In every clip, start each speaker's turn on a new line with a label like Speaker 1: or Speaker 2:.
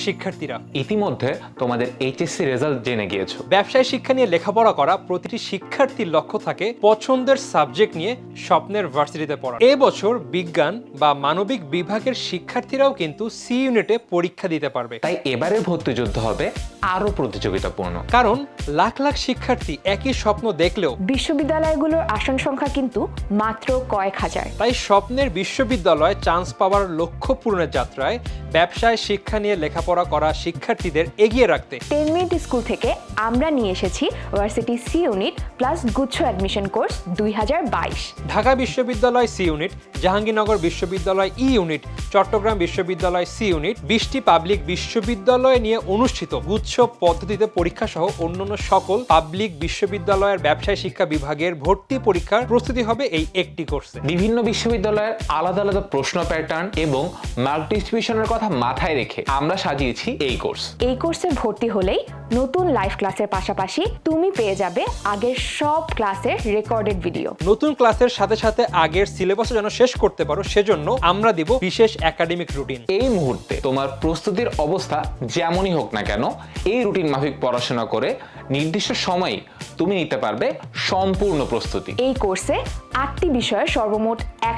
Speaker 1: শিক্ষার্থীরা,
Speaker 2: ইতিমধ্যে তোমাদের এইচএসসি রেজাল্ট জেনে গিয়েছো।
Speaker 1: ব্যবসায় শিক্ষা নিয়ে লেখাপড়া করা প্রতিটি শিক্ষার্থীর লক্ষ্য থাকে পছন্দের সাবজেক্ট নিয়ে স্বপ্নের ভার্সিটিতে পড়া। এবছর বিজ্ঞান বা মানবিক বিভাগের শিক্ষার্থীরাও কিন্তু সি ইউনিটে পরীক্ষা দিতে পারবে।
Speaker 2: তাই এবারের ভর্তি যুদ্ধ হবে আরো প্রতিযোগিতাপূর্ণ,
Speaker 1: কারণ লাখ লাখ শিক্ষার্থী একই স্বপ্ন দেখলেও
Speaker 3: বিশ্ববিদ্যালয়গুলোর আসন সংখ্যা কিন্তু মাত্র কয়েক হাজার।
Speaker 1: তাই স্বপ্নের বিশ্ববিদ্যালয়ে চান্স পাওয়ার লক্ষ্য পূরণের যাত্রায় ব্যবসায় শিক্ষা নিয়ে লেখাপড়া করা শিক্ষার্থীদের এগিয়ে রাখতে
Speaker 3: 10 মিনিট স্কুল থেকে আমরা নিয়ে এসেছি ভার্সিটি সি ইউনিট প্লাস গুচ্ছ অ্যাডমিশন কোর্স 2022।
Speaker 1: ঢাকা বিশ্ববিদ্যালয় সি ইউনিট, জাহাঙ্গীরনগর বিশ্ববিদ্যালয় ই ইউনিট, চট্টগ্রাম বিশ্ববিদ্যালয় সি ইউনিট, 20টি পাবলিক বিশ্ববিদ্যালয় নিয়ে অনুষ্ঠিত গুচ্ছ পদ্ধতিতে পরীক্ষা সহ অন্যান্য সকল পাবলিক বিশ্ববিদ্যালয়ের ব্যবসায় শিক্ষা বিভাগের ভর্তি পরীক্ষার প্রস্তুতি হবে এই একটি কোর্সে।
Speaker 2: বিভিন্ন বিশ্ববিদ্যালয়ের আলাদা আলাদা প্রশ্ন প্যাটার্ন এবং মার্ক ডিস্ট্রিবিউশনের কথা মাথায় রেখে আমরা সাজিয়েছি এই কোর্স।
Speaker 3: এই কোর্সে ভর্তি হলেই নতুন লাইভ ক্লাসের পাশাপাশি তুমি পেয়ে যাবে আগের সব ক্লাসের রেকর্ডেড ভিডিও।
Speaker 1: নতুন ক্লাসের সাথে সাথে আগের সিলেবাসও যেন শেষ করতে পারো, সেজন্য আমরা দিব বিশেষ একাডেমিক রুটিন।
Speaker 2: এই মুহূর্তে তোমার প্রস্তুতির অবস্থা যেমনই হোক না কেন, এই রুটিন মাফিক পড়াশোনা করে নির্দিষ্ট সময়ে তুমি নিতে পারবে সম্পূর্ণ প্রস্তুতি।
Speaker 3: এই কোর্সে 8টি বিষয়ে সর্বমোট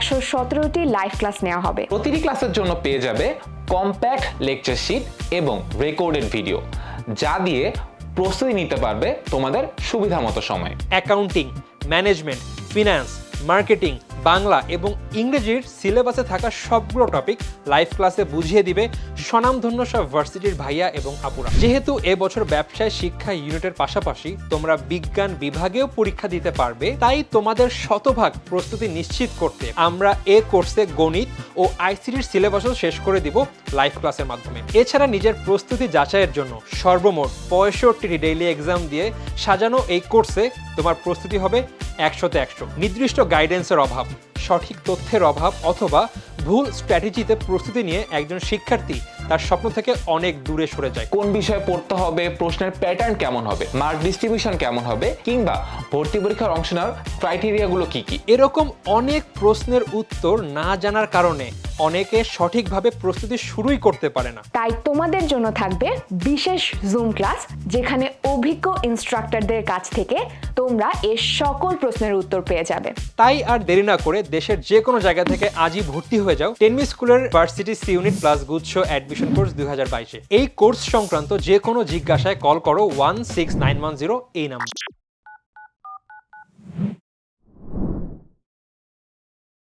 Speaker 3: 117টি লাইভ ক্লাস নেওয়া হবে।
Speaker 2: প্রতিটি ক্লাসের জন্য পেয়ে যাবে কম্প্যাক্ট লেকচার শিট এবং রেকর্ডেড ভিডিও, যা দিয়ে প্রস্তুতি নিতে পারবে তোমাদের সুবিধা মতো সময়ে।
Speaker 1: Accounting, management, finance, marketing, Bangla এবং ইংরেজির সিলেবাসে থাকা সবগুলো টপিক লাইভ ক্লাসে বুঝিয়ে দিবে স্বনামধন্য সব ভার্সিটির ভাইয়া এবং আপুরা। যেহেতু এবছর ব্যবসায় শিক্ষা ইউনিটের পাশাপাশি তোমরা বিজ্ঞান বিভাগেও পরীক্ষা দিতে পারবে, তাই তোমাদের শতভাগ প্রস্তুতি নিশ্চিত করতে আমরা এ কোর্সে গণিত ও আইসিটির সিলেবাসও শেষ করে দিব লাইভ ক্লাসের মাধ্যমে। এছাড়া নিজের প্রস্তুতি যাচাইয়ের জন্য সর্বমোট 65টি ডেইলি এক্সাম দিয়ে সাজানো এই কোর্সে তোমার প্রস্তুতি হবে 100তে 100। নির্দিষ্ট গাইডেন্সের অভাব, সঠিক তথ্যের অভাব অথবা ভুল স্ট্র্যাটেজিতে প্রস্তুতি নিয়ে একজন শিক্ষার্থী তার স্বপ্ন থেকে অনেক দূরে সরে যায়।
Speaker 2: কোন বিষয়ে পড়তে হবে, প্রশ্নের প্যাটার্ন কেমন হবে, মার্ক ডিস্ট্রিবিউশন কেমন হবে, কিংবা ভর্তি পরীক্ষার অংশ নেওয়ার ক্রাইটেরিয়াগুলো কি কি,
Speaker 1: এরকম অনেক প্রশ্নের উত্তর না জানার কারণে অনেকে সঠিকভাবে প্রস্তুতি শুরুই করতে পারে না।
Speaker 3: তাই তোমাদের জন্য থাকবে বিশেষ জুম ক্লাস, যেখানে অভিজ্ঞ ইনস্ট্রাক্টরদের কাছ থেকে তোমরা এর সকল প্রশ্নের উত্তর পেয়ে যাবে।
Speaker 1: তাই আর দেরি না করে দেশের যে কোনো জায়গা থেকে আজই ভর্তি হয়ে যাও 10 মিনিট স্কুলের ভার্সিটি সি ইউনিট প্লাস গুচ্ছ অ্যাডমিশন কোর্স 2022-এ। এই কোর্স সংক্রান্ত যে কোনো জিজ্ঞাসায় কল করো 16910 এই নাম্বার।